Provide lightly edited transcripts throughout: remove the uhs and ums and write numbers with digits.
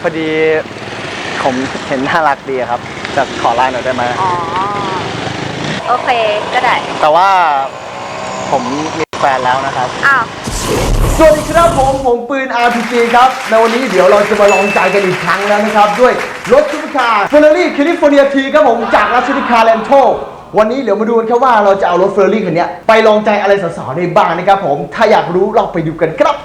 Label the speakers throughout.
Speaker 1: พอดีผมเห็นน่ารักดีครับจะขอไลน์หน่อยได้ไหม
Speaker 2: อ๋อโอเคก็ได้
Speaker 1: แต่ว่าผมมีแฟนแล้วนะครับ
Speaker 2: อ้าว
Speaker 3: สวัสดีครับผมปืน RPG ครับในวันนี้เดี๋ยวเราจะมาลองใจกันอีกครั้งแล้วนะครับด้วยรถซุปเปอร์คาร์ Ferrari California T ครับผมจากรัชนิคาแลนโทวันนี้เดี๋ยวมาดูกันครับว่าเราจะเอารถ Ferrari คันนี้ไปลองใจอะไรสาวๆได้บ้างนะครับผมถ้าอยากรู้เราไปดูกันครับ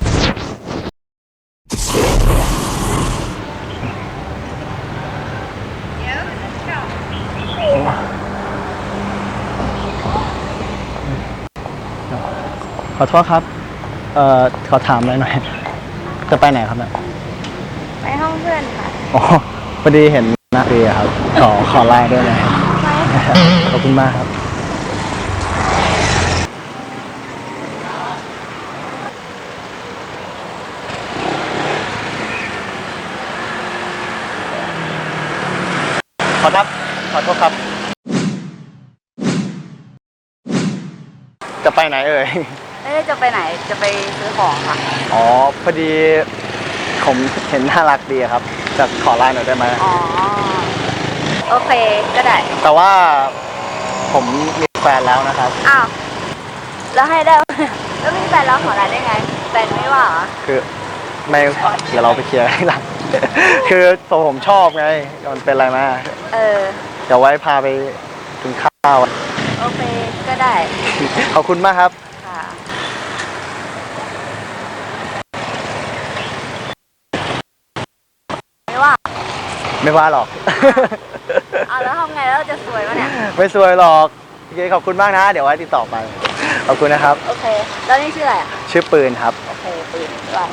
Speaker 1: ขอโทษครับขอถามหน่อยจะไปไหนครับเนี่ย
Speaker 2: ไปห้องเพื่อนค่ะ
Speaker 1: อ๋อพอดีเห็นหน้าดีครับขอไลน์ด้วยนะขอบคุณมากครับขอโทษครับจะไปไหนเอ่ย
Speaker 2: ไม่ได้จะไปไหนจะไปซื้อของค่ะ
Speaker 1: อ๋อพอดีผมเห็นน่ารักดีครับจะขอไลน์หน่อยได้ไหม
Speaker 2: อ๋อโอเคก็ได้
Speaker 1: แต่ว่าผมมีแฟนแล้วนะครับ
Speaker 2: อ้าวแล้วให้ได้แล้วมีแฟนแล้วขออะไรได้ไงแฟนไม่ว่าเหรอ
Speaker 1: คือไม่เดี๋ยวเราไปเคลียร์ให้หลังคือผมชอบไงมันเป็นอะไรมาเดี๋ยวไว้พาไปกินข้าว
Speaker 2: โอเคก็ได้
Speaker 1: ขอบคุณมากครับ
Speaker 2: ค่ะ
Speaker 1: ไม่ว่าหรอก
Speaker 2: เอาแล้วทำไงแล้วจะสวยมั้ยเนี่ย
Speaker 1: ไม่สวยหรอกโอเคขอบคุณมากนะเดี๋ยวไว้ติดต่อไปขอบคุณนะครับ
Speaker 2: โอเคแล้วนี่ชื่ออะไรอ่ะ
Speaker 1: ชื่อปืนครับ
Speaker 2: โอเคปืนด้วย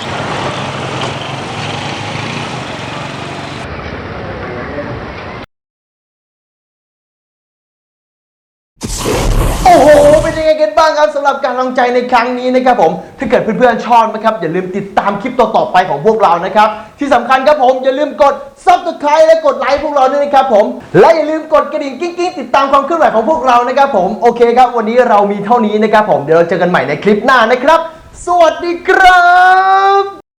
Speaker 3: โอ้โหเป็นยังไงกันบ้างครับสำหรับการลองใจในครั้งนี้นะครับผมถ้าเกิดเพื่อนๆชอบนะครับอย่าลืมติดตามคลิปต่อๆไปของพวกเรานะครับที่สำคัญครับผมอย่าลืมกด Subscribe และกดไลค์พวกเราด้วยนะครับผมและอย่าลืมกดกระดิ่งกิ๊งๆติดตามความเคลื่อนไหวของพวกเรานะครับผมโอเคครับวันนี้เรามีเท่านี้นะครับผมเดี๋ยวเราเจอกันใหม่ในคลิปหน้านะครับสวัสดีครับ